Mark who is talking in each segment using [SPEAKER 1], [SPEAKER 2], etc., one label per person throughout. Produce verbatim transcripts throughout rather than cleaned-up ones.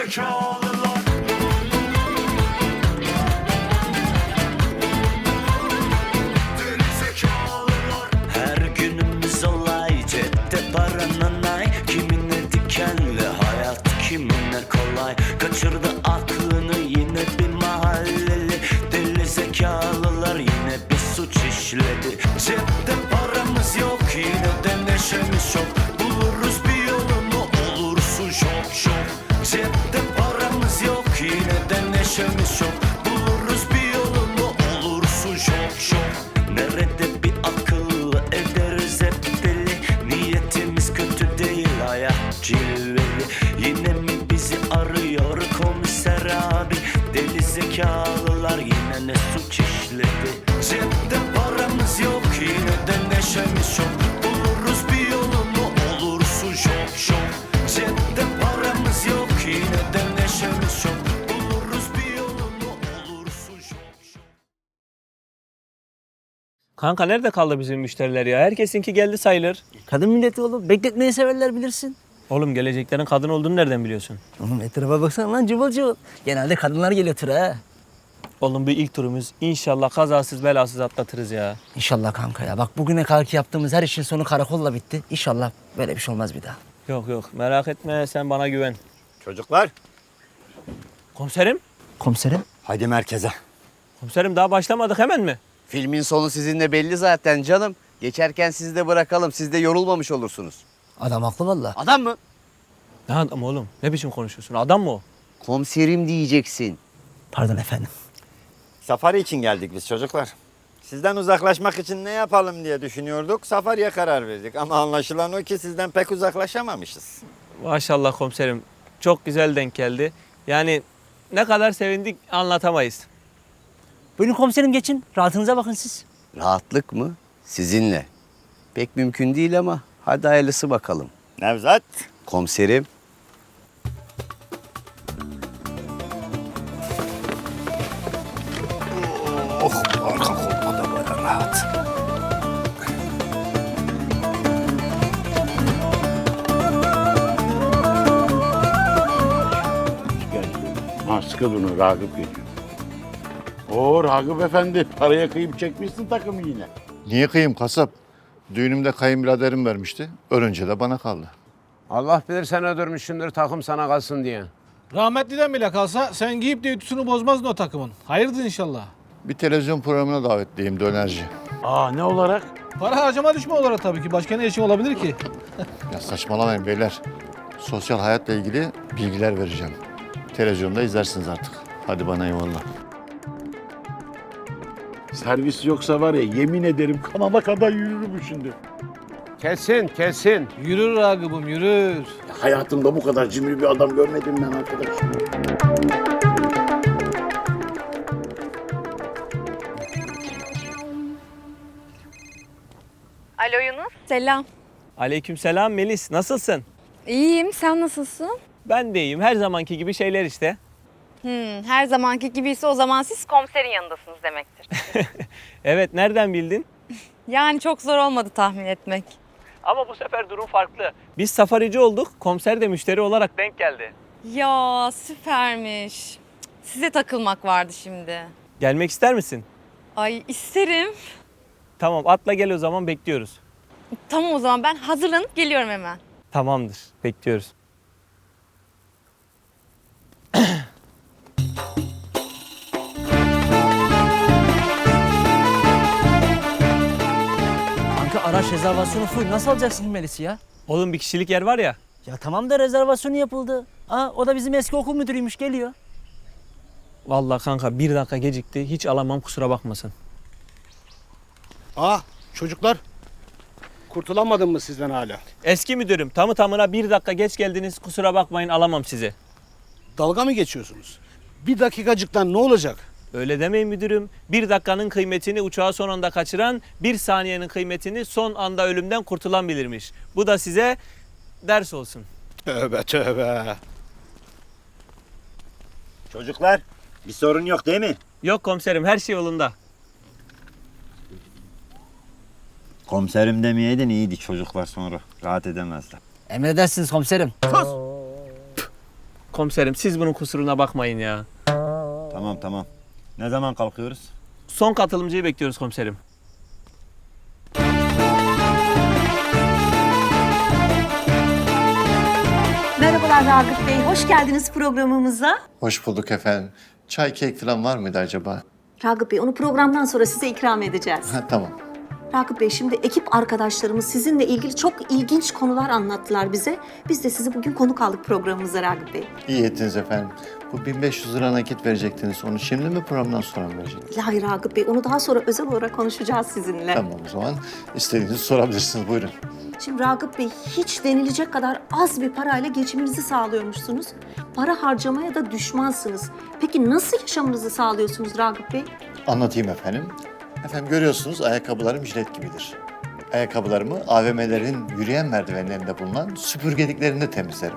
[SPEAKER 1] Gerizekalılar. Gerizekalılar. Her günümüz olay, cepte paranın ay. Kimine dikenli hayat, kimine kolay. Kaçırdı aklını yine bir mahalleli. Deli zekalılar yine bir suç işledi. Cepte paramız yok, yine de neşemiz çok. Buluruz bir yolunu, olursun şok şok. Cepte paramız yok, yine de neşemiz çok. Buluruz bir yolunu, olursun şok şok. Nerede bir akıl ederiz hep deli. Niyetimiz kötü değil, hayat cilveli. Yine mi bizi arıyor komiser abi? Deli zekalılar yine ne suç işledi. Cepte paramız yok, yine de neşemiz çok. Buluruz bir yolunu, olursun şok şok. Cepte paramız yok, yine de neşemiz çok. Buluruz bir yolunu, olursun şok şok.
[SPEAKER 2] Kanka nerede kaldı bizim müşteriler ya? Herkesinki geldi sayılır.
[SPEAKER 3] Kadın milleti oğlum. Bekletmeyi severler bilirsin.
[SPEAKER 2] Oğlum geleceklerin kadın olduğunu nereden biliyorsun?
[SPEAKER 3] Oğlum etrafa baksana lan cıvıl cıvıl. Genelde kadınlar geliyor tura ha.
[SPEAKER 2] Oğlum bir ilk turumuz. İnşallah kazasız belasız atlatırız ya.
[SPEAKER 3] İnşallah kanka ya. Bak bugüne kadar ki yaptığımız her işin sonu karakolla bitti. İnşallah böyle bir şey olmaz bir daha.
[SPEAKER 2] Yok yok merak etme sen bana güven.
[SPEAKER 4] Çocuklar,
[SPEAKER 2] Komiserim?
[SPEAKER 3] Komiserim.
[SPEAKER 4] haydi merkeze.
[SPEAKER 2] Komiserim daha başlamadık hemen mi?
[SPEAKER 5] Filmin sonu sizinle belli zaten canım. Geçerken sizi de bırakalım. Siz de yorulmamış olursunuz.
[SPEAKER 3] Adam haklı valla.
[SPEAKER 5] Adam mı?
[SPEAKER 2] Ne adam oğlum? Ne biçim konuşuyorsun? Adam mı o?
[SPEAKER 5] Komiserim diyeceksin.
[SPEAKER 3] Pardon efendim.
[SPEAKER 4] Safari için geldik biz çocuklar. Sizden uzaklaşmak için ne yapalım diye düşünüyorduk. Safariye karar verdik ama anlaşılan o ki sizden pek uzaklaşamamışız.
[SPEAKER 2] Maşallah komiserim. Çok güzel denk geldi. Yani ne kadar sevindik anlatamayız.
[SPEAKER 3] Buyurun komiserim geçin. Rahatınıza bakın siz.
[SPEAKER 5] Rahatlık mı? Sizinle. Pek mümkün değil ama hadi hayırlısı bakalım.
[SPEAKER 4] Nevzat.
[SPEAKER 5] Komiserim.
[SPEAKER 4] Oh, arka koltuğa da böyle rahat.
[SPEAKER 6] Ha sıkı durun Ragıp geliyor. Oo Ragıp efendi paraya kıyıp çekmişsin takımı yine.
[SPEAKER 7] Niye kıyım kasap? Düğünümde kayınbiraderim vermişti. Ölünce de bana kaldı.
[SPEAKER 8] Allah bilir sen öldürmüşsündür takım sana kalsın diye.
[SPEAKER 9] Rahmetliden bile kalsa sen giyip de ütüsünü bozmazdın o takımın. Hayırdır inşallah.
[SPEAKER 7] Bir televizyon programına davetliyim dönerci.
[SPEAKER 6] Aa ne olarak?
[SPEAKER 9] Para harcama düşme olarak tabii ki. Başka ne işin olabilir ki?
[SPEAKER 7] Ya saçmalamayın beyler. Sosyal hayatla ilgili bilgiler vereceğim. Televizyonda izlersiniz artık. Hadi bana eyvallah.
[SPEAKER 6] Servis yoksa var ya yemin ederim kanala kadar yürürüm şimdi.
[SPEAKER 8] Kesin kesin.
[SPEAKER 9] Yürür Ragıbım yürür.
[SPEAKER 6] Hayatımda bu kadar cimri bir adam görmedim ben arkadaş.
[SPEAKER 10] Alo Yunus. Selam.
[SPEAKER 2] Aleykümselam Melis. Nasılsın?
[SPEAKER 10] İyiyim. Sen nasılsın?
[SPEAKER 2] Ben de iyiyim. Her zamanki gibi şeyler işte.
[SPEAKER 10] Hmm, her zamanki gibiyse o zaman siz komiserin yanındasınız demektir.
[SPEAKER 2] Evet nereden bildin?
[SPEAKER 10] Yani çok zor olmadı tahmin etmek.
[SPEAKER 2] Ama bu sefer durum farklı. Biz safarici olduk. Komiser de müşteri olarak denk geldi.
[SPEAKER 10] Ya süpermiş. Cık, size takılmak vardı şimdi.
[SPEAKER 2] Gelmek ister misin?
[SPEAKER 10] Ay isterim.
[SPEAKER 2] Tamam atla gel o zaman bekliyoruz.
[SPEAKER 10] Tamam o zaman ben hazırlanıp geliyorum hemen.
[SPEAKER 2] Tamamdır. Bekliyoruz.
[SPEAKER 3] Kanka araç rezervasyonu full. Nasıl alacaksın Melis'i ya?
[SPEAKER 2] Oğlum bir kişilik yer var ya.
[SPEAKER 3] Ya tamam da rezervasyonu yapıldı. Aa, o da bizim eski okul müdürüymüş geliyor.
[SPEAKER 2] Vallahi kanka bir dakika gecikti. Hiç alamam kusura bakmasın.
[SPEAKER 11] Ah çocuklar. Kurtulamadın mı sizden hala?
[SPEAKER 2] Eski müdürüm tamı tamına bir dakika geç geldiniz. Kusura bakmayın alamam sizi.
[SPEAKER 11] Dalga mı geçiyorsunuz? Bir dakikacıktan ne olacak?
[SPEAKER 2] Öyle demeyin müdürüm. Bir dakikanın kıymetini uçağı son anda kaçıran, bir saniyenin kıymetini son anda ölümden kurtulan bilirmiş. Bu da size ders olsun.
[SPEAKER 11] Tövbe tövbe.
[SPEAKER 4] Çocuklar, bir sorun yok değil mi?
[SPEAKER 2] Yok komiserim her şey yolunda.
[SPEAKER 4] Komiserim demeyeydin iyiydi çocuklar sonra. Rahat edemezler.
[SPEAKER 3] Emredersiniz komiserim.
[SPEAKER 2] Komiserim siz bunun kusuruna bakmayın ya.
[SPEAKER 4] Tamam tamam. Ne zaman kalkıyoruz?
[SPEAKER 2] Son katılımcıyı bekliyoruz komiserim.
[SPEAKER 12] Merhabalar Ragıp Bey, hoş geldiniz programımıza.
[SPEAKER 7] Hoş bulduk efendim. Çay, kek falan var mıydı acaba?
[SPEAKER 12] Ragıp Bey, onu programdan sonra size ikram edeceğiz.
[SPEAKER 7] Ha, tamam.
[SPEAKER 12] Ragıp Bey, şimdi ekip arkadaşlarımız sizinle ilgili çok ilginç konular anlattılar bize. Biz de sizi bugün konuk aldık programımıza Ragıp Bey.
[SPEAKER 7] İyi ettiniz efendim. Bu bin beş yüz lira nakit verecektiniz. Onu şimdi mi programdan sonra mı verecektiniz?
[SPEAKER 12] Hayır Ragıp Bey, onu daha sonra özel olarak konuşacağız sizinle.
[SPEAKER 7] Tamam o zaman. İstediğinizi sorabilirsiniz. Buyurun.
[SPEAKER 12] Şimdi Ragıp Bey, hiç denilecek kadar az bir parayla geçiminizi sağlıyormuşsunuz. Para harcamaya da düşmansınız. Peki nasıl yaşamınızı sağlıyorsunuz Ragıp Bey?
[SPEAKER 7] Anlatayım efendim. Efendim görüyorsunuz ayakkabılarım jilet gibidir. Ayakkabılarımı A V M'lerin yürüyen merdivenlerinde bulunan süpürgeliklerinde temizlerim.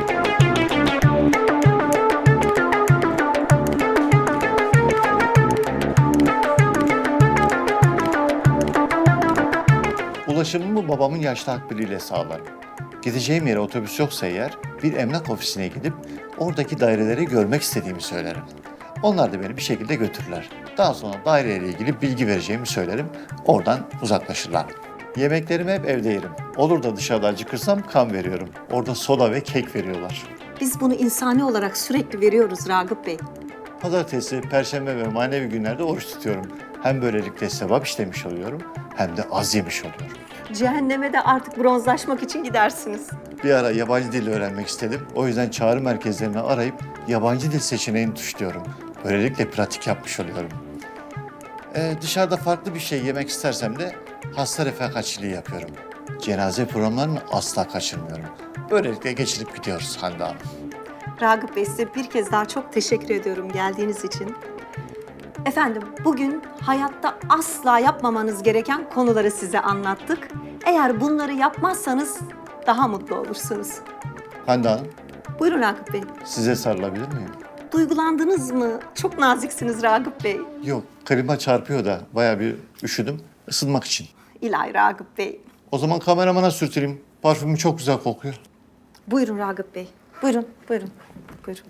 [SPEAKER 7] Ulaşımımı babamın yaşlı akbiliyle sağlarım. Gideceğim yere otobüs yoksa eğer bir emlak ofisine gidip oradaki daireleri görmek istediğimi söylerim. Onlar da beni bir şekilde götürürler. Daha sonra daireyle ilgili bilgi vereceğimi söylerim. Oradan uzaklaşırlar. Yemeklerimi hep evde yerim. Olur da dışarıda acıkırsam kan veriyorum. Orada soda ve kek veriyorlar.
[SPEAKER 12] Biz bunu insani olarak sürekli veriyoruz Ragıp Bey.
[SPEAKER 7] Pazartesi, perşembe ve manevi günlerde oruç tutuyorum. Hem böylelikle sevap işlemiş oluyorum hem de az yemiş oluyorum.
[SPEAKER 12] Cehenneme de artık bronzlaşmak için gidersiniz.
[SPEAKER 7] Bir ara yabancı dil öğrenmek istedim. O yüzden çağrı merkezlerini arayıp yabancı dil seçeneğini tuşluyorum. Böylelikle pratik yapmış oluyorum. Ee, dışarıda farklı bir şey yemek istersem de hasta refakatçiliği yapıyorum. Cenaze programlarını asla kaçırmıyorum. Böylelikle geçirip gidiyoruz Hande Hanım.
[SPEAKER 12] Ragıp Bey, size bir kez daha çok teşekkür ediyorum geldiğiniz için. Efendim, bugün hayatta asla yapmamanız gereken konuları size anlattık. Eğer bunları yapmazsanız daha mutlu olursunuz.
[SPEAKER 7] Hande Hanım,
[SPEAKER 12] Buyurun Ragıp Bey.
[SPEAKER 7] size sarılabilir miyim?
[SPEAKER 12] Duygulandınız mı? Çok naziksiniz Ragıp Bey.
[SPEAKER 7] Yok, klima çarpıyor da bayağı bir üşüdüm. Isınmak için.
[SPEAKER 12] İlahi Ragıp Bey.
[SPEAKER 7] O zaman kameramana sürtüreyim. Parfümü çok güzel kokuyor.
[SPEAKER 12] Buyurun Ragıp Bey. Buyurun, buyurun, buyurun.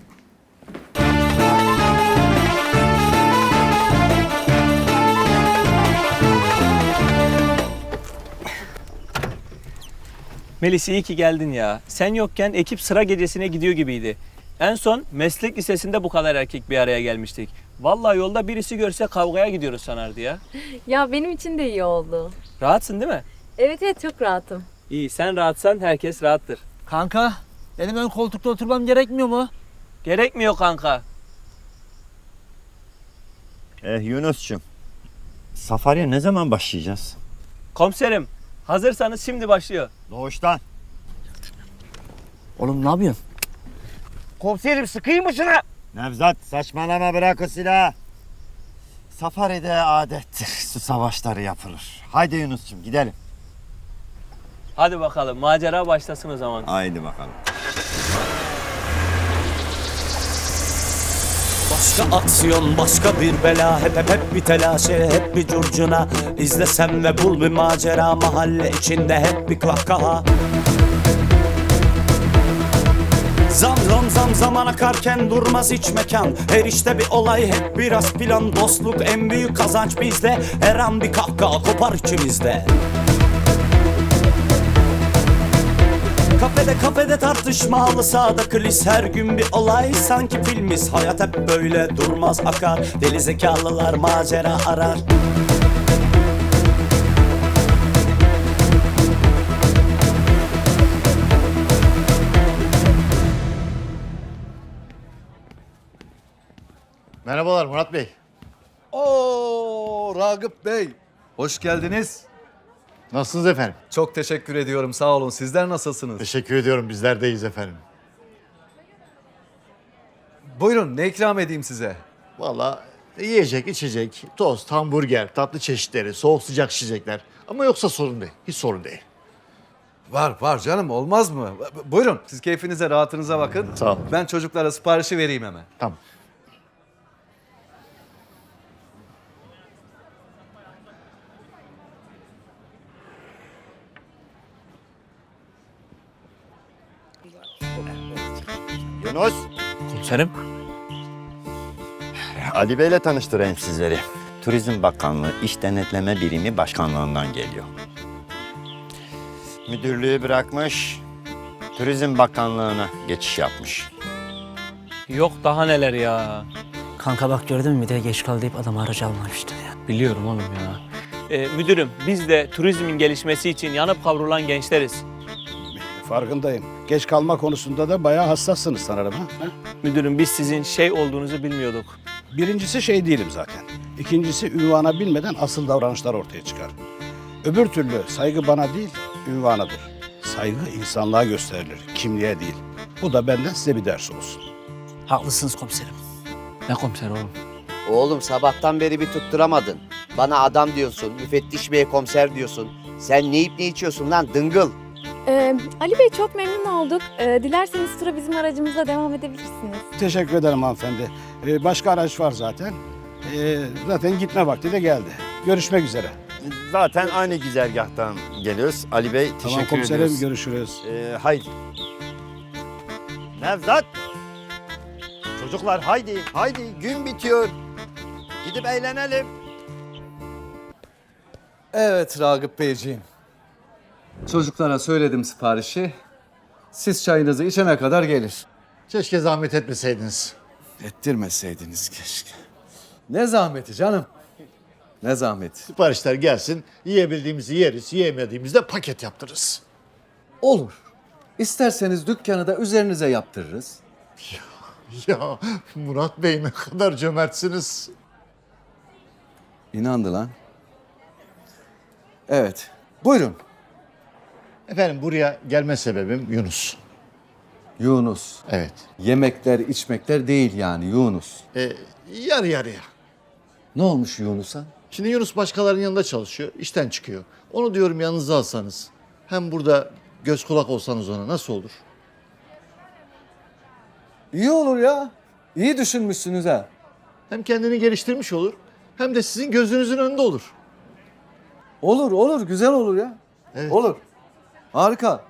[SPEAKER 2] Melis iyi ki geldin ya. Sen yokken ekip sıra gecesine gidiyor gibiydi. En son meslek lisesinde bu kadar erkek bir araya gelmiştik. Vallahi yolda birisi görse kavgaya gidiyoruz sanardı ya.
[SPEAKER 10] Ya benim için de iyi oldu.
[SPEAKER 2] Rahatsın değil mi?
[SPEAKER 10] Evet evet çok rahatım.
[SPEAKER 2] İyi, sen rahatsan herkes rahattır.
[SPEAKER 3] Kanka, benim ön koltukta oturmam gerekmiyor mu?
[SPEAKER 2] Gerekmiyor kanka.
[SPEAKER 4] Eh Yunus'cum. Safariye ne zaman başlayacağız?
[SPEAKER 2] Komiserim, hazırsanız şimdi başlıyor.
[SPEAKER 4] Doğuştan.
[SPEAKER 3] Oğlum ne yapıyorsun?
[SPEAKER 11] Komiserim sıkayım mı şuna?
[SPEAKER 4] Nevzat saçmalama, bırak o silahı. Safari'de adettir. Su savaşları yapılır. Haydi Yunus'cum gidelim.
[SPEAKER 2] Hadi bakalım, macera başlasın o zaman.
[SPEAKER 4] Haydi bakalım.
[SPEAKER 1] Başka aksiyon, başka bir bela. Hep hep hep bir telaşe, hep bir curcuna. İzlesem ve bul bir macera. Mahalle içinde hep bir kahkaha. Zam zam zam zaman akarken durmaz hiç mekan. Her işte bir olay, hep biraz plan. Dostluk en büyük kazanç bizde. Her an bir kahkaha kopar içimizde. Kafede kafede tartışma, halı sahada kulis. Her gün bir olay, sanki filmiz. Hayat hep böyle durmaz akar. Deli zekalılar macera arar.
[SPEAKER 7] Merhabalar Murat Bey.
[SPEAKER 13] Oo Ragıp Bey. Hoş geldiniz.
[SPEAKER 7] Nasılsınız efendim?
[SPEAKER 13] Çok teşekkür ediyorum. Sağ olun. Sizler nasılsınız?
[SPEAKER 7] Teşekkür ediyorum. Bizler deyiz efendim.
[SPEAKER 13] Buyurun ne ikram edeyim size?
[SPEAKER 7] Vallahi yiyecek, içecek, tost, hamburger, tatlı çeşitleri, soğuk sıcak içecekler. Ama yoksa sorun değil. Hiç sorun değil.
[SPEAKER 13] Var var canım olmaz mı? B- Buyurun siz keyfinize rahatınıza bakın.
[SPEAKER 7] Sağ olun.
[SPEAKER 13] Ben çocuklara siparişi vereyim hemen.
[SPEAKER 7] Tamam.
[SPEAKER 4] Yunus.
[SPEAKER 2] Komiserim.
[SPEAKER 4] Ali Bey'le tanıştırayım sizleri. Turizm Bakanlığı İş Denetleme Birimi Başkanlığından geliyor. Müdürlüğü bırakmış, Turizm Bakanlığı'na geçiş yapmış.
[SPEAKER 2] Yok daha neler ya.
[SPEAKER 3] Kanka bak gördün mü bir de geç kaldı deyip adam aracı almamıştı ya.
[SPEAKER 2] Biliyorum oğlum ya. Ee, müdürüm biz de turizmin gelişmesi için yanıp kavrulan gençleriz.
[SPEAKER 11] Farkındayım. Geç kalma konusunda da bayağı hassassınız sanırım. Ha?
[SPEAKER 2] Müdürüm biz sizin şey olduğunuzu bilmiyorduk.
[SPEAKER 11] Birincisi şey değilim zaten. İkincisi ünvana bilmeden asıl davranışlar ortaya çıkar. Öbür türlü saygı bana değil, ünvanadır. Saygı insanlığa gösterilir, kimliğe değil. Bu da benden size bir ders olsun.
[SPEAKER 3] Haklısınız komiserim.
[SPEAKER 2] Ne komiser oğlum?
[SPEAKER 5] Oğlum sabahtan beri bir tutturamadın. Bana adam diyorsun, müfettiş beye komiser diyorsun. Sen ne yiyip ne içiyorsun lan dıngıl?
[SPEAKER 10] Ee, Ali Bey çok memnun olduk. Ee, dilerseniz tura bizim aracımızla devam edebilirsiniz.
[SPEAKER 11] Teşekkür ederim hanımefendi. Ee, başka araç var zaten. Ee, zaten gitme vakti de geldi. Görüşmek üzere.
[SPEAKER 4] Zaten aynı güzergahtan geliyoruz. Ali Bey teşekkür
[SPEAKER 11] Tamam komiserim,
[SPEAKER 4] ediyoruz.
[SPEAKER 11] görüşürüz.
[SPEAKER 4] Ee, haydi. Nevzat. Çocuklar haydi, haydi gün bitiyor. Gidip eğlenelim.
[SPEAKER 13] Evet Ragıp Beyciğim. Çocuklara söyledim siparişi. Siz çayınızı içene kadar gelir.
[SPEAKER 7] Keşke zahmet etmeseydiniz.
[SPEAKER 13] Ettirmeseydiniz keşke. Ne zahmeti canım? Ne zahmeti?
[SPEAKER 7] Siparişler gelsin, yiyebildiğimizi yeriz, yiyemediğimizde paket yaptırırız.
[SPEAKER 13] Olur. İsterseniz dükkanı da üzerinize yaptırırız.
[SPEAKER 7] Ya Murat Bey ne kadar cömertsiniz.
[SPEAKER 13] İnandı lan. Evet. Buyurun.
[SPEAKER 7] Efendim buraya gelme sebebim Yunus.
[SPEAKER 13] Yunus.
[SPEAKER 7] Evet.
[SPEAKER 13] Yemekler, içmekler değil yani Yunus.
[SPEAKER 7] Ee, yarı yarıya.
[SPEAKER 13] Ne olmuş Yunus'a?
[SPEAKER 7] Şimdi Yunus başkalarının yanında çalışıyor, işten çıkıyor. Onu diyorum yanınıza alsanız. Hem burada göz kulak olsanız ona nasıl olur?
[SPEAKER 13] İyi olur ya. İyi düşünmüşsünüz ha.
[SPEAKER 7] Hem kendini geliştirmiş olur, hem de sizin gözünüzün önünde olur.
[SPEAKER 13] Olur, olur. Güzel olur ya.
[SPEAKER 7] Evet.
[SPEAKER 13] Olur. Harika.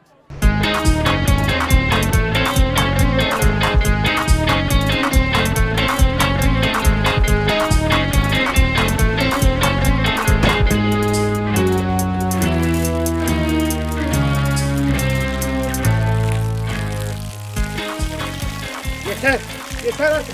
[SPEAKER 11] Yeter, yeter artık.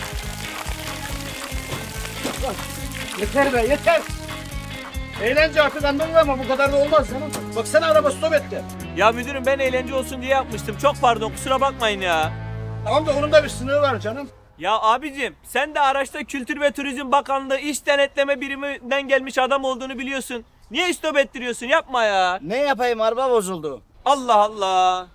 [SPEAKER 11] Bak, yeter be, yeter. Eğlence artık anladın ama bu kadar da olmaz canım. Baksana araba stop etti.
[SPEAKER 2] Ya müdürüm ben eğlence olsun diye yapmıştım. Çok pardon kusura bakmayın ya.
[SPEAKER 11] Tamam da onun da bir sınırı var canım.
[SPEAKER 2] Ya abicim sen de araçta Kültür ve Turizm Bakanlığı İş Denetleme Biriminden gelmiş adam olduğunu biliyorsun. Niye istop ettiriyorsun? Yapma ya.
[SPEAKER 3] Ne yapayım araba bozuldu.
[SPEAKER 2] Allah Allah.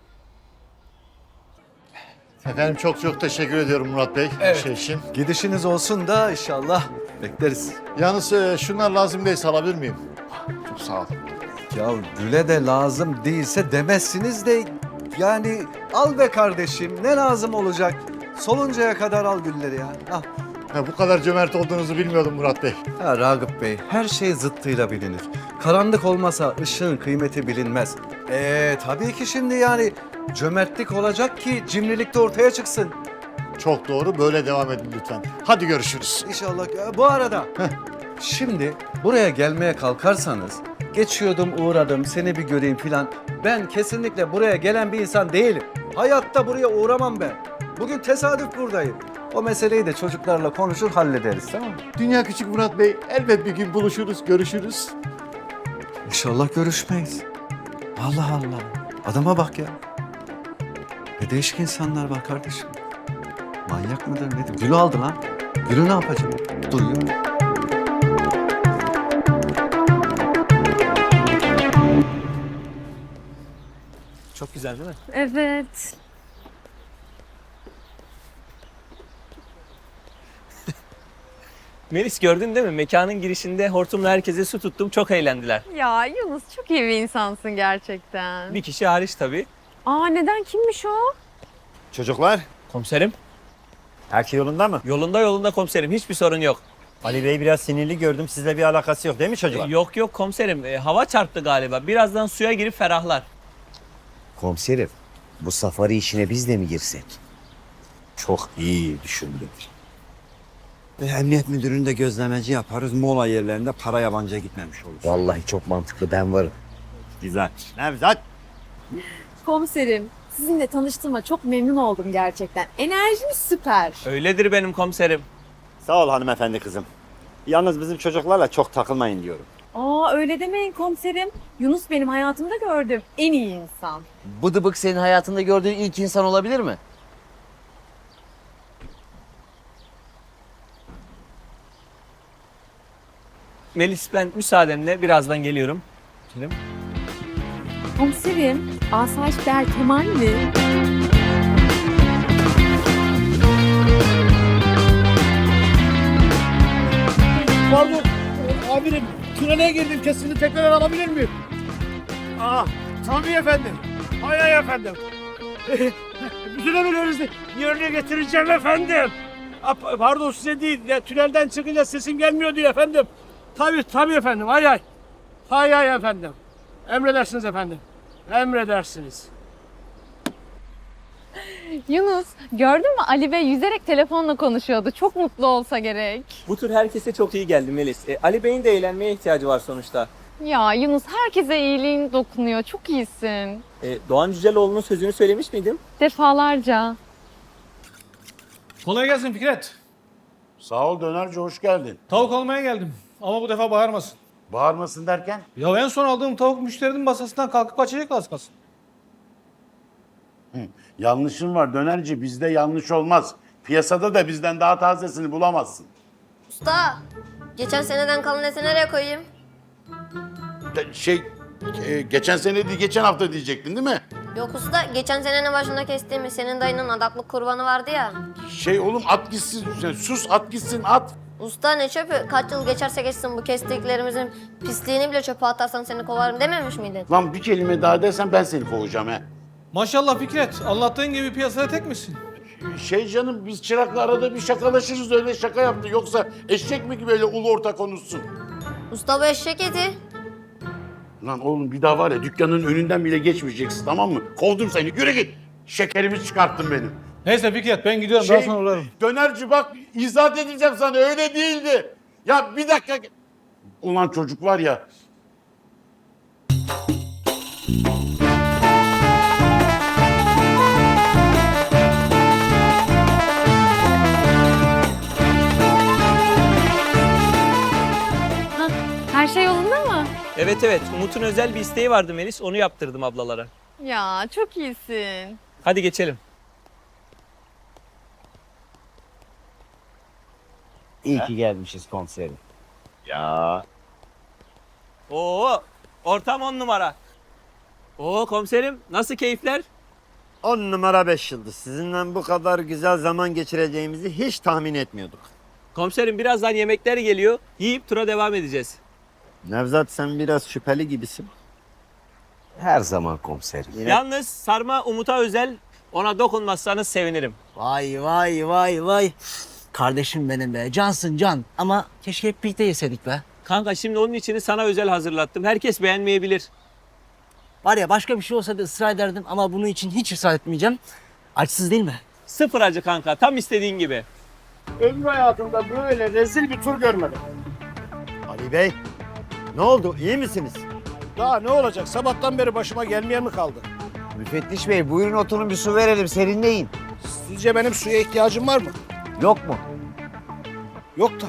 [SPEAKER 7] Efendim çok çok teşekkür ediyorum Murat Bey
[SPEAKER 13] Evet.
[SPEAKER 7] bu şey için.
[SPEAKER 13] Gidişiniz olsun da inşallah bekleriz.
[SPEAKER 7] Yalnız e, şunlar lazım değilse alabilir miyim? Çok sağ ol.
[SPEAKER 13] Ya Gül'e de lazım değilse demezsiniz de yani al be kardeşim ne lazım olacak? Soluncaya kadar al gülleri ya. Al.
[SPEAKER 7] Ha, bu kadar cömert olduğunuzu bilmiyordum Murat Bey.
[SPEAKER 13] Ya Ragıp Bey her şey zıttıyla bilinir. Karanlık olmasa ışığın kıymeti bilinmez. Ee tabii ki şimdi yani cömertlik olacak ki cimrilik de ortaya çıksın.
[SPEAKER 7] Çok doğru, böyle devam edin lütfen. Hadi görüşürüz.
[SPEAKER 13] İnşallah. Ya, bu arada şimdi buraya gelmeye kalkarsanız geçiyordum uğradım seni bir göreyim filan. Ben kesinlikle buraya gelen bir insan değilim. Hayatta buraya uğramam ben. Bugün tesadüf buradayım. O meseleyi de çocuklarla konuşur hallederiz tamam mı?
[SPEAKER 7] Dünya küçük Murat Bey. Elbet bir gün buluşuruz, görüşürüz.
[SPEAKER 13] İnşallah görüşmeyiz. Allah Allah. Adama bak ya. Ne değişik insanlar var kardeşim. Manyak mıdır nedir? Gül'ü aldı lan. Gül'ü ne yapacak? Duruyor.
[SPEAKER 2] Çok güzel değil mi?
[SPEAKER 10] Evet.
[SPEAKER 2] Melis gördün değil mi? Mekanın girişinde hortumla herkese su tuttum. Çok eğlendiler.
[SPEAKER 10] Ya Yunus çok iyi bir insansın gerçekten.
[SPEAKER 2] Bir kişi hariç tabii.
[SPEAKER 10] Aa neden kimmiş o?
[SPEAKER 4] Çocuklar,
[SPEAKER 2] Komiserim.
[SPEAKER 4] her şey yolunda mı?
[SPEAKER 2] Yolunda yolunda komiserim. Hiçbir sorun yok.
[SPEAKER 4] Ali Bey biraz sinirli gördüm. Sizle bir alakası yok değil mi çocuklar?
[SPEAKER 2] E, yok yok komiserim. E, hava çarptı galiba. Birazdan suya girip ferahlar.
[SPEAKER 5] Komiserim bu safari işine biz de mi girsek?
[SPEAKER 4] Çok iyi düşündün. E, emniyet müdürünü de gözlemeci yaparız. Mola yerlerinde para yabancıya gitmemiş olur.
[SPEAKER 5] Vallahi çok mantıklı, ben varım.
[SPEAKER 4] Güzel. Nevzat.
[SPEAKER 10] Komiserim, sizinle tanıştığıma çok memnun oldum gerçekten. Enerjiniz süper.
[SPEAKER 2] Öyledir benim komiserim.
[SPEAKER 4] Sağ ol hanımefendi kızım. Yalnız bizim çocuklarla çok takılmayın diyorum.
[SPEAKER 10] Aa öyle demeyin komiserim. Yunus benim hayatımda gördüğüm en iyi insan.
[SPEAKER 5] Bıdıbık senin hayatında gördüğün ilk insan olabilir mi?
[SPEAKER 2] Melis ben müsaadenle birazdan geliyorum. Şimdi.
[SPEAKER 10] Komiserim, asayiş der Kemal mi?
[SPEAKER 9] Pardon. Amirim tünele girdim. Kesini tekrar alabilir miyim? Aa, tabii efendim. Hay hay efendim. Bütün emirlerinizi yerine getireceğim efendim. Aa, pardon size değil. Ya, tünelden çıkınca sesim gelmiyor diye efendim. Tabii tabii efendim. Hay hay. Hay hay efendim. Emredersiniz efendim. Emredersiniz.
[SPEAKER 10] Yunus, gördün mü Ali Bey yüzerek telefonla konuşuyordu. Çok mutlu olsa gerek.
[SPEAKER 2] Bu tür herkese çok iyi geldi Melis. E, Ali Bey'in de eğlenmeye ihtiyacı var sonuçta.
[SPEAKER 10] Ya Yunus herkese iyiliğin dokunuyor. Çok iyisin.
[SPEAKER 2] E, Doğan Cüceloğlu'nun sözünü söylemiş miydim?
[SPEAKER 10] Defalarca.
[SPEAKER 9] Kolay gelsin Fikret.
[SPEAKER 6] Sağ ol dönerci, hoş geldin.
[SPEAKER 9] Tavuk almaya geldim. Ama bu defa bağırmasın.
[SPEAKER 6] Bağırmasın derken?
[SPEAKER 9] Ya en son aldığım tavuk müşterinin masasından kalkıp kaçacak az kalsın.
[SPEAKER 6] Hı, yanlışın var dönerci, bizde yanlış olmaz. Piyasada da bizden daha tazesini bulamazsın.
[SPEAKER 14] Usta, geçen seneden kalan eti nereye koyayım?
[SPEAKER 6] De- Şey, e, geçen sene değil, geçen hafta diyecektin değil mi?
[SPEAKER 14] Yok usta, geçen senenin başında kestiğimiz senin dayının adaklık kurbanı vardı ya.
[SPEAKER 6] Şey oğlum, at gitsin, sen sus at gitsin at.
[SPEAKER 14] Usta ne çöpü? Kaç yıl geçerse geçsin bu kestiklerimizin pisliğini bile çöpe atarsan seni kovarım dememiş miydin?
[SPEAKER 6] Lan bir kelime daha dersen ben seni kovacağım he.
[SPEAKER 9] Maşallah Fikret. Anlattığın gibi piyasada tek misin?
[SPEAKER 6] Şey canım, biz çırakla arada bir şakalaşırız, öyle şaka yaptı. Yoksa eşek mi gibi öyle ulu orta konuşsun?
[SPEAKER 14] Usta bu eşek eti.
[SPEAKER 6] Lan oğlum bir daha var ya, dükkanın önünden bile geçmeyeceksin, tamam mı? Kovdum seni, yürü git. Şekerimi çıkarttın benim.
[SPEAKER 9] Neyse Fikret ben gidiyorum.
[SPEAKER 6] Şey,
[SPEAKER 9] Daha sonra uğrarım.
[SPEAKER 6] dönerci bak, izahat edeceğim sana, öyle değildi. Ya bir dakika. Ulan çocuk var ya.
[SPEAKER 10] Ha, her şey yolunda mı?
[SPEAKER 2] Evet evet. Umut'un özel bir isteği vardı Melis. Onu yaptırdım ablalara.
[SPEAKER 10] Ya çok iyisin.
[SPEAKER 2] Hadi geçelim.
[SPEAKER 5] İyi ki gelmişiz komiserim.
[SPEAKER 4] Ya.
[SPEAKER 2] Oo, ortam on numara. Oo komiserim, nasıl keyifler?
[SPEAKER 4] On numara beş yıldız. Sizinle bu kadar güzel zaman geçireceğimizi hiç tahmin etmiyorduk.
[SPEAKER 2] Komiserim birazdan yemekler geliyor. Yiyip tura devam edeceğiz.
[SPEAKER 4] Nevzat sen biraz şüpheli gibisin.
[SPEAKER 5] Her zaman komiserim.
[SPEAKER 4] Yine...
[SPEAKER 2] Yalnız sarma Umut'a özel. Ona dokunmazsanız sevinirim.
[SPEAKER 3] Vay vay vay vay. Kardeşim benim be. Cansın can. Ama keşke hep birlikte yeseydik be.
[SPEAKER 2] Kanka şimdi onun içini sana özel hazırlattım. Herkes beğenmeyebilir.
[SPEAKER 3] Var ya başka bir şey olsa da ısrar ederdim ama bunun için hiç ısrar etmeyeceğim. Açsız değil mi?
[SPEAKER 2] Sıfır acı kanka. Tam istediğin gibi.
[SPEAKER 9] Ömrü hayatımda böyle rezil bir tur görmedim.
[SPEAKER 4] Ali Bey, ne oldu? İyi misiniz?
[SPEAKER 9] Daha ne olacak? Sabahtan beri başıma gelmeyen mi kaldı?
[SPEAKER 5] Müfettiş bey, buyurun oturun bir su verelim, serinleyin.
[SPEAKER 9] Sizce benim suya ihtiyacım var mı?
[SPEAKER 5] Yok mu?
[SPEAKER 9] Yok tabii.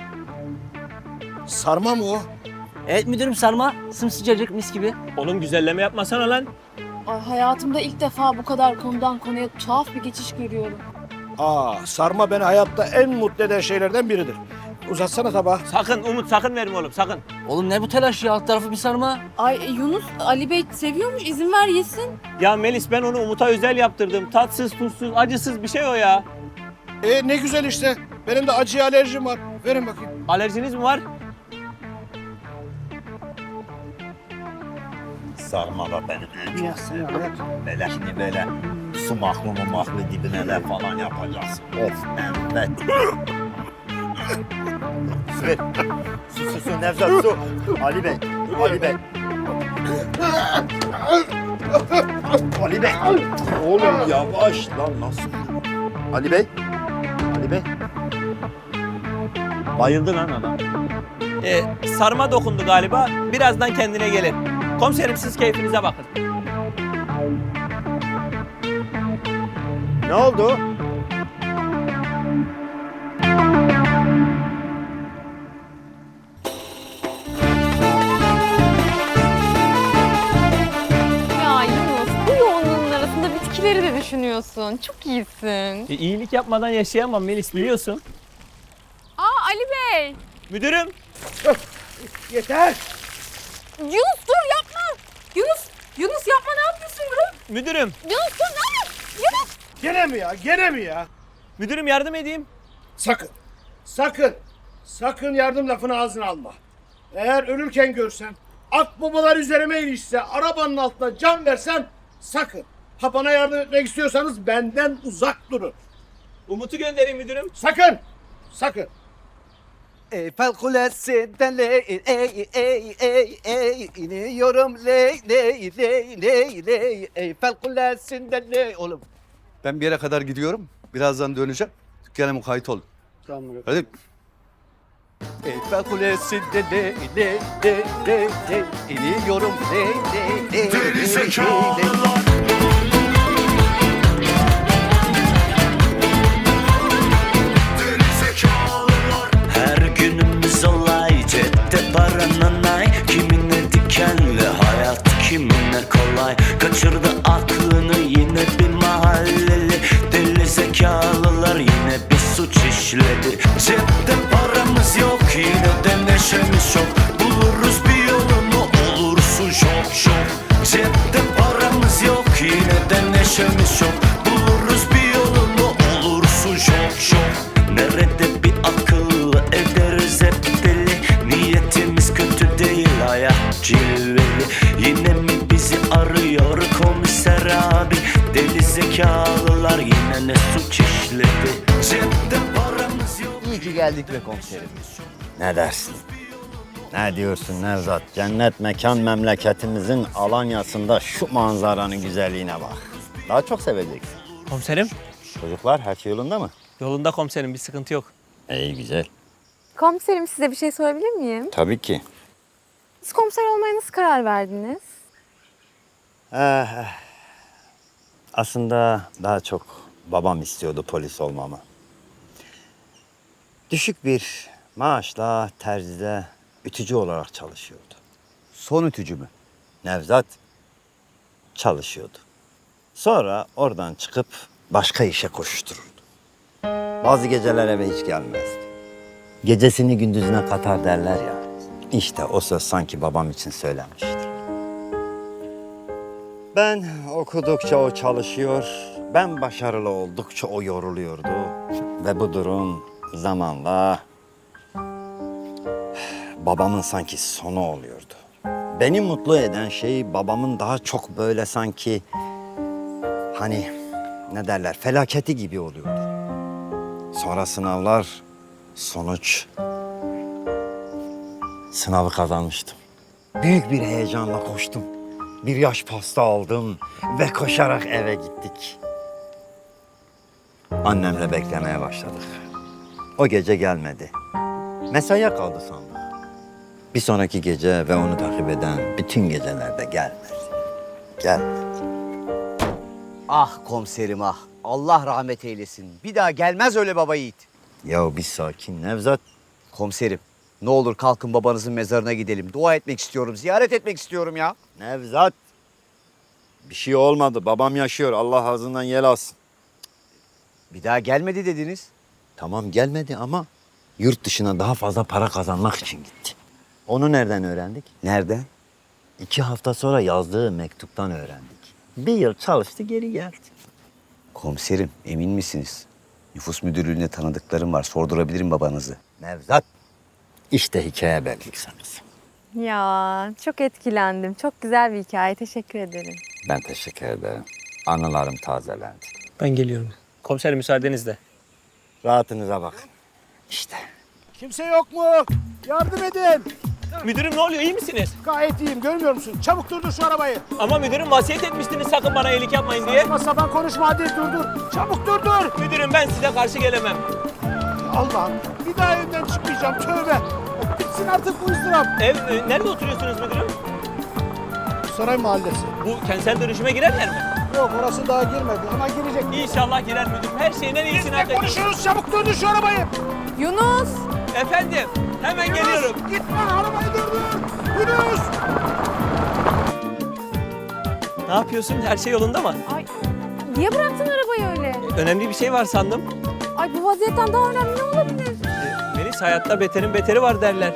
[SPEAKER 9] Sarma mı o?
[SPEAKER 3] Evet müdürüm, sarma. Sımsıcacık mis gibi.
[SPEAKER 2] Oğlum güzelleme yapmasana lan.
[SPEAKER 10] Ay, hayatımda ilk defa bu kadar konudan konuya tuhaf bir geçiş görüyorum.
[SPEAKER 9] Aa, sarma beni hayatta en mutlu eden şeylerden biridir. Uzatsana tabağı.
[SPEAKER 2] Sakın Umut sakın verme oğlum sakın.
[SPEAKER 3] Oğlum ne bu telaş ya? Alt tarafı bir sarma.
[SPEAKER 10] Ay Yunus, Ali Bey seviyormuş, izin ver yesin.
[SPEAKER 2] Ya Melis ben onu Umut'a özel yaptırdım. Tatsız, tuzsuz, acısız bir şey o ya.
[SPEAKER 9] E ne güzel işte. Benim de acıya alerjim var. Verin bakayım.
[SPEAKER 2] Alerjiniz mi var?
[SPEAKER 4] Sarma da benim en çok sevdiğim. Böyle şimdi böyle sumaklı mumaklı dibine de falan yapacaksın. Of evet. Su ver. Su su su Nevzat su. Ali Bey. Ali Bey. Ali Bey. Oğlum yavaş lan nasıl? Ali Bey. Ali Bey. Bayıldı lan adam.
[SPEAKER 2] Ee, sarma dokundu galiba. Birazdan kendine gelir. Komiserim siz keyfinize bakın.
[SPEAKER 4] Ne oldu?
[SPEAKER 10] Ya Yunus bu yoğunluğun arasında bitkileri de düşünüyorsun. Çok iyisin.
[SPEAKER 2] E, iyilik yapmadan yaşayamam Melis biliyorsun.
[SPEAKER 10] Aa Ali Bey.
[SPEAKER 2] Müdürüm.
[SPEAKER 9] Yeter.
[SPEAKER 10] Yunus dur yapma. Yunus, Yunus yapma ne yapıyorsun bro?
[SPEAKER 2] Müdürüm.
[SPEAKER 10] Yunus dur ne yapıyorsun? Yunus.
[SPEAKER 9] Gene mi ya? Gene mi ya?
[SPEAKER 2] Müdürüm yardım edeyim.
[SPEAKER 9] Sakın. Sakın. Sakın yardım lafını ağzına alma. Eğer ölürken görsem, akbabalar üzerime ilişse, arabanın altına can versem sakın. Ha bana yardım etmek istiyorsanız benden uzak durun.
[SPEAKER 2] Umut'u göndereyim müdürüm.
[SPEAKER 9] Sakın. Sakın.
[SPEAKER 5] Eyfel Kulesi'nden ley ey ey ey ey iniyorum ley ley ley ley ley Eyfel Kulesi'nden ley oğlum. Ben bir yere kadar gidiyorum. Birazdan döneceğim. Dükkana mukayyet olun.
[SPEAKER 9] Tamam.
[SPEAKER 5] Hadi. Eyfel Kulesi'nden ley ley ley ley ley iniyorum ley ley ley ley ley.
[SPEAKER 1] Her günümüz olay cepte paranın ay. Kimine dikenli hayat kimine kolay. Kaçırdı aklını yine bir mahalleli. Deli zekalılar yine bir suç işledi. Cepte paramız yok yine de neşemiz yok. Buluruz bir yolunu olursun şok şok. Cepte paramız yok yine de neşemiz yok. Buluruz bir yolunu olursun şok şok. Nerede bir akıllı ederiz hep deli. Niyetimiz kötü değil hayat cilveli. Yine mi bizi arıyor komiser abi? Deli zekalılar yine ne suç işledi. Cepte paramız yok.
[SPEAKER 5] İyi ki geldik be komiserim.
[SPEAKER 4] Ne dersin? Ne diyorsun Nevzat? Cennet mekan memleketimizin Alanya'sında şu manzaranın güzelliğine bak. Daha çok seveceksin.
[SPEAKER 2] Komiserim.
[SPEAKER 4] Çocuklar her şey yolunda mı?
[SPEAKER 2] Yolunda komiserim bir sıkıntı yok.
[SPEAKER 4] İyi güzel.
[SPEAKER 10] Komiserim size bir şey sorabilir miyim?
[SPEAKER 4] Tabii ki.
[SPEAKER 10] Siz komiser olmaya nasıl karar verdiniz?
[SPEAKER 4] Eh, aslında daha çok babam istiyordu polis olmamı. Düşük bir maaşla terzide ütücü olarak çalışıyordu.
[SPEAKER 5] Son ütücü mü?
[SPEAKER 4] Nevzat çalışıyordu. Sonra oradan çıkıp başka işe koştururdu. Bazı geceler eve hiç gelmezdi. Gecesini gündüzüne katar derler ya. İşte o söz sanki babam için söylenmişti. Ben okudukça o çalışıyor, ben başarılı oldukça o yoruluyordu. Ve bu durum zamanla babamın sanki sonu oluyordu. Beni mutlu eden şey babamın daha çok böyle sanki hani ne derler felaketi gibi oluyordu. Sonra sınavlar, sonuç. Sınavı kazanmıştım. Büyük bir heyecanla koştum. Bir yaş pasta aldım ve koşarak eve gittik. Annemle beklemeye başladık. O gece gelmedi. Mesaiye kaldı sandım. Bir sonraki gece ve onu takip eden bütün gecelerde gelmedi. Gelmedi.
[SPEAKER 5] Ah komiserim ah. Allah rahmet eylesin. Bir daha gelmez öyle baba yiğit.
[SPEAKER 4] Ya bir sakin Nevzat.
[SPEAKER 5] Komiserim ne olur kalkın babanızın mezarına gidelim. Dua etmek istiyorum, ziyaret etmek istiyorum ya.
[SPEAKER 4] Nevzat. Bir şey olmadı. Babam yaşıyor. Allah ağzından yel alsın.
[SPEAKER 5] Bir daha gelmedi dediniz.
[SPEAKER 4] Tamam gelmedi ama yurt dışına daha fazla para kazanmak için gitti. Onu nereden öğrendik?
[SPEAKER 5] Nereden?
[SPEAKER 4] İki hafta sonra yazdığı mektuptan öğrendik. Bir yıl çalıştı geri geldi.
[SPEAKER 5] Komiserim emin misiniz? Nüfus müdürlüğünde tanıdıklarım var. Sordurabilirim babanızı.
[SPEAKER 4] Nevzat. İşte hikaye belgesiniz.
[SPEAKER 10] Ya çok etkilendim. Çok güzel bir hikaye. Teşekkür ederim.
[SPEAKER 4] Ben teşekkür ederim. Anılarım tazelendi.
[SPEAKER 2] Ben geliyorum. Komiserim müsaadenizle.
[SPEAKER 4] Rahatınıza bakın. İşte.
[SPEAKER 9] Kimse yok mu? Yardım edin.
[SPEAKER 2] Müdürüm ne oluyor, iyi misiniz?
[SPEAKER 9] Gayet iyiyim, görmüyor musun? Çabuk durdur şu arabayı.
[SPEAKER 2] Ama müdürüm vasiyet etmiştiniz sakın bana iyilik yapmayın diye.
[SPEAKER 9] Saçma sapan konuşma, hadi durdur. Çabuk durdur.
[SPEAKER 2] Müdürüm ben size karşı gelemem.
[SPEAKER 9] Allah'ım, bir daha evden çıkmayacağım, tövbe. Bitsin artık bu ızdırap.
[SPEAKER 2] Ev, e, nerede oturuyorsunuz müdürüm?
[SPEAKER 9] Saray Mahallesi.
[SPEAKER 2] Bu kentsel dönüşüme girerler mi?
[SPEAKER 9] Yok, orası daha girmedi ama girecek.
[SPEAKER 2] İnşallah girer müdürüm. Her şeyin en
[SPEAKER 9] Biz
[SPEAKER 2] iyisini
[SPEAKER 9] ne
[SPEAKER 2] hak ediyor.
[SPEAKER 9] konuşuyoruz? Çabuk durdur şu arabayı.
[SPEAKER 10] Yunus!
[SPEAKER 2] Efendim, hemen geliyorum.
[SPEAKER 9] Gitme, arabayı durdur. Yunus!
[SPEAKER 2] Ne yapıyorsun? Her şey yolunda mı?
[SPEAKER 10] Ay, niye bıraktın arabayı öyle?
[SPEAKER 2] Önemli bir şey var sandım.
[SPEAKER 10] Ay bu vaziyetten daha önemli ne olabilir?
[SPEAKER 2] E, Melis, hayatta beterin beteri var derler.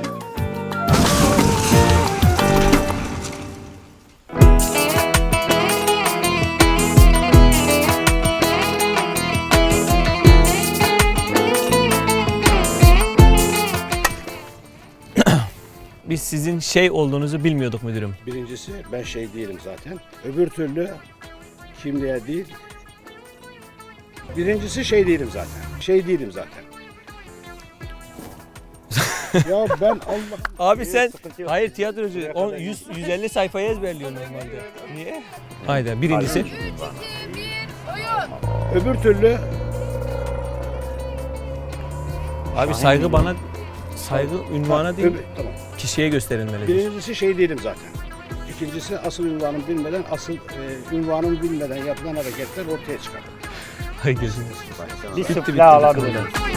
[SPEAKER 2] Biz sizin şey olduğunuzu bilmiyorduk müdürüm.
[SPEAKER 11] Birincisi ben şey değilim zaten. Öbür türlü kimliğe değil. Birincisi şey değilim zaten. Şey değilim zaten. Ya ben Allah...
[SPEAKER 2] Abi sen, hayır tiyatrocu, on, yüz, yüz elli sayfayı ezberliyor normalde. Niye? Hayda, birincisi.
[SPEAKER 11] Öbür türlü
[SPEAKER 2] Abi saygı bana, saygı ünvana değil,
[SPEAKER 11] öbür, tamam.
[SPEAKER 2] kişiye gösterilmelidir.
[SPEAKER 11] Birincisi şey değilim zaten. İkincisi asıl ünvanımı bilmeden, asıl e, ünvanımı bilmeden yapılan hareketler ortaya çıkar.
[SPEAKER 2] Hay gözünüz.
[SPEAKER 3] Bir
[SPEAKER 2] Bitti,
[SPEAKER 3] sıfır
[SPEAKER 2] bitti,
[SPEAKER 3] daha
[SPEAKER 2] bitti.
[SPEAKER 3] alabilirim.